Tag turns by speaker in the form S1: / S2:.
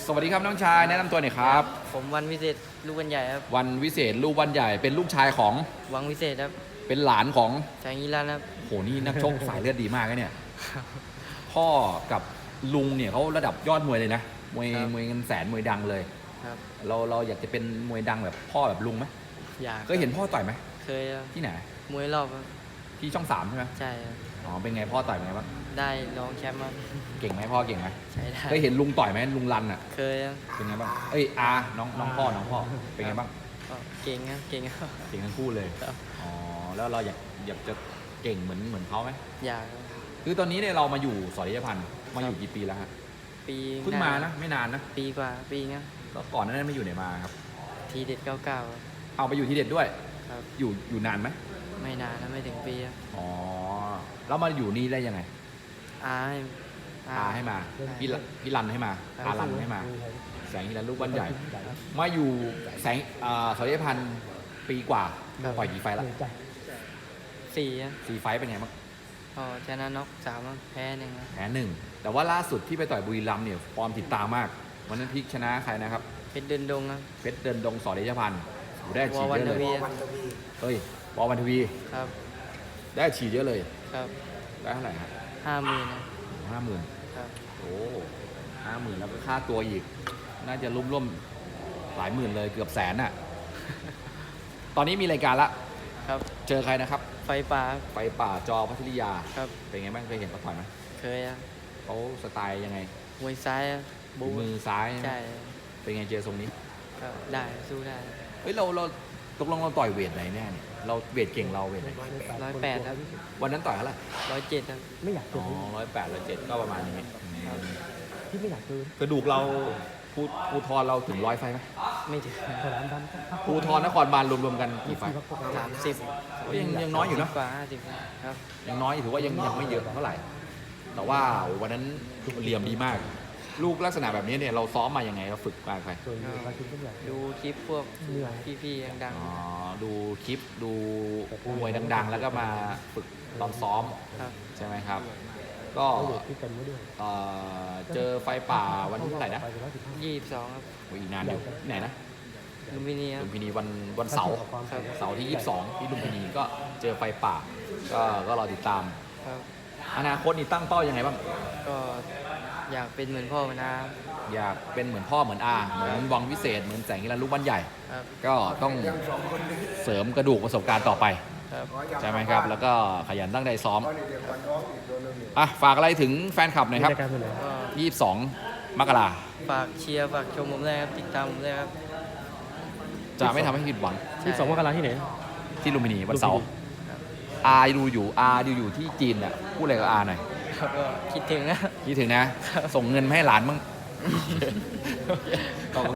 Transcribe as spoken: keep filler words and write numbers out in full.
S1: สวัสดีครับน้องชายแนะนำตัวหน่อยครับ
S2: ผมวันวิเศษลูกวันใหญ่ครับ
S1: วันวิเศษลูกวันใหญ่เป็นลูกชายของ
S2: วังวิเศษครับ
S1: เป็นหลานของ
S2: ชายงีรันครับ
S1: โหนี่นักชกสายเลือดดีมากนะเนี่ยพ่อกับลุงเนี่ยเขาระดับยอดมวยเลยนะมวยมวยเงินแสนมวยดังเลย
S2: ครับ
S1: เราเราอยากจะเป็นมวยดังแบบพ่อแบบลุงไหม
S2: อยาก
S1: เคยเห็นพ่อต่อยไหม
S2: เคยครับ
S1: ที่ไหน
S2: มวยรอบครับ
S1: ที่ช่องสามใช่ไหม
S2: ใช่ครับ
S1: อ๋อเป็นไงพ่อต่อยเป็นไงบ้าง
S2: ได้รองแชมป์ครับ
S1: เก่งไหมพ่อเก่งไหม
S2: ใช่ได้
S1: เคยเห็นลุงต่อยไหมลุงรันอ่ะ
S2: เคยครับ
S1: เป็นไงบ้างเอ้ยอาน้องน้องพ่อน้องพ่อเป็นไงบ้าง
S2: ก็เก่งครับเก่งครับ
S1: เก่งทั้งคู่เลยอ๋อแล้วเราอยากอยากจะเก่งเหมือนเหมือนเขาไหม
S2: อยากครับ
S1: คือตอนนี้เนี่ยเรามาอยู่สอริยพันธ์มาอยู่กี่ปีแล้วฮะ
S2: ปี
S1: เพิ่งมานะไม่นานนะ
S2: ปีกว่าปีเงี้ย
S1: แล้วก่อนหนานั้นไม่อยู่ไหนมาครับ
S2: ทีเด็ดเก้าเก้า
S1: เอาไปอยู่ที่เด็ดด้วย
S2: ครับ
S1: อยู่อยู่นานไหม
S2: ไม่นานนะไม่ถึงปีครับ
S1: อ๋อแล้วมาอยู่นี่ได้ยังไง
S2: อาให้
S1: อาให้มาพี่พี่รันให้มาอารันให้มาแสงฮิรันลูกบ้านใหญ่มาอยู่แสงสอริยพันธ์ปีกว่าปล่อยกี่ไฟละ
S2: สี่
S1: สี่ไฟเป็นไงบ้าง
S2: พอชนะน็อกสามแพ้หนึ่ง
S1: แพ้หนึ่งแต่ว่าล่าสุดที่ไปต่อยบุรีรัมย์เนี่ยฟอร์มติดตามมากวันนั้นพลิกชนะใครนะครับ
S2: เพชรเดินดงครับ
S1: เพชรเดินดงสอริยพันธ์ได้ฉีดเยอะเลยเฮ้ยบอลวันทวี
S2: ครับ
S1: ได้ฉีดเยอะเลย
S2: ครับ
S1: ได้เท่าไหร่ครับ
S2: ห้าหมื่นนะ
S1: ห้าหมื่น
S2: ครับ
S1: โอ้ห้าหมื่นแล้วก็ค่าตัวอีกน่าจะร่วมร่วมหลายหมื่นเลยเกือบแสนน่ะ ตอนนี้มีรายการละ
S2: ครับ
S1: เจอใครนะครับ
S2: ไฟป่า
S1: ไฟป่าจอพัทริยา
S2: ครับ
S1: เป็นไงบ้างเคยเห็นเขาต่อยไหม
S2: เคยครับ
S1: เขาสไตล์ยังไง
S2: มวยซ้าย
S1: บูมือซ้าย
S2: ใช่
S1: เป็นไงเจอทรงนี้
S2: ก็ได้สู้ได้
S1: เฮ้ยเราเราตกลงเราต่อยเวทไหนแน่เนี่ยเราเวทเก่งเราเวทไหน
S2: ร้อยแปดครับ
S1: วันนั้นต่อยเท่าไหร่
S2: ร้อยเจ็ดครับ
S3: ไม่อยาก
S1: อ๋อร้อยแปดร้อยเจ็ดก็ประมาณนี้
S3: ที่ไม่อยากเกิน
S1: กระดูกเราภูภูทรเราถึงร้อยไฟไหม
S2: ไม่ถึง
S1: ภูทรนครบาลรวมๆกันกี่ไฟ
S2: สามสิบ
S1: ยังยังน้อยอยู่นะ
S2: กว่าห้าสิบครับ
S1: ยังน้อยถือว่ายังยังไม่เยอะเท่าไหร่แต่ว่าวันนั้นเหลี่ยมดีมากลูกลักษณะแบบนี้เนี่ยเราซ้อมมายังไงเราฝึกมาใคร
S2: ดูคลิปพวกพี่ๆดัง
S1: ๆอ๋อดูคลิปดูมวยดังๆแล้วก็มาฝึกตอนซ้อมใช่ไหมครับก็เจอไฟป่าวันที่เท่าไหร่นะ
S2: ยี่สิบสองครับ
S1: อีกนานอยู่ไหนนะ
S2: ลุมพินี
S1: ลุมพินีวันวันเสาร์เสาร์ที่ยี่สิบสองที่ลุมพินีก็เจอไฟป่าก็ก็รอติดตามอนาคตนี่ตั้งเป้ายังไงบ้าง
S2: ก็อยากเป็นเหมือนพ่อเหมือนอา
S1: อยากเป็นเหมือนพ่อเหมือนอาเหมือนวังวิเศษเหมือนแสงฮิรันลูกบ้านใหญ่ก็ต้องเสริมกระดูกประสบการณ์ต่อไปใช่ไหมครับแล้วก็ขยันตั้งใจซ้อมอ่ะฝากอะไรถึงแฟนคลับหน่อยครับยี่สิบสองมกรา
S2: ฝากเชียร์ฝากชมผมเลยครับติดตามผมเลยครับ
S1: จะไม่ทำให้ผิดหวัง
S3: ยี่สิบสองมกราที่ไหน
S1: ที่ลุมพินีวันเสาร์อาดูอยู่อาดูอยู่ที่จีนอ่ะพูดอะไรกับอาหน่อย
S2: ก็คิดถึงนะ
S1: คิดถึงนะส่งเงินมาให้หลานมั่ง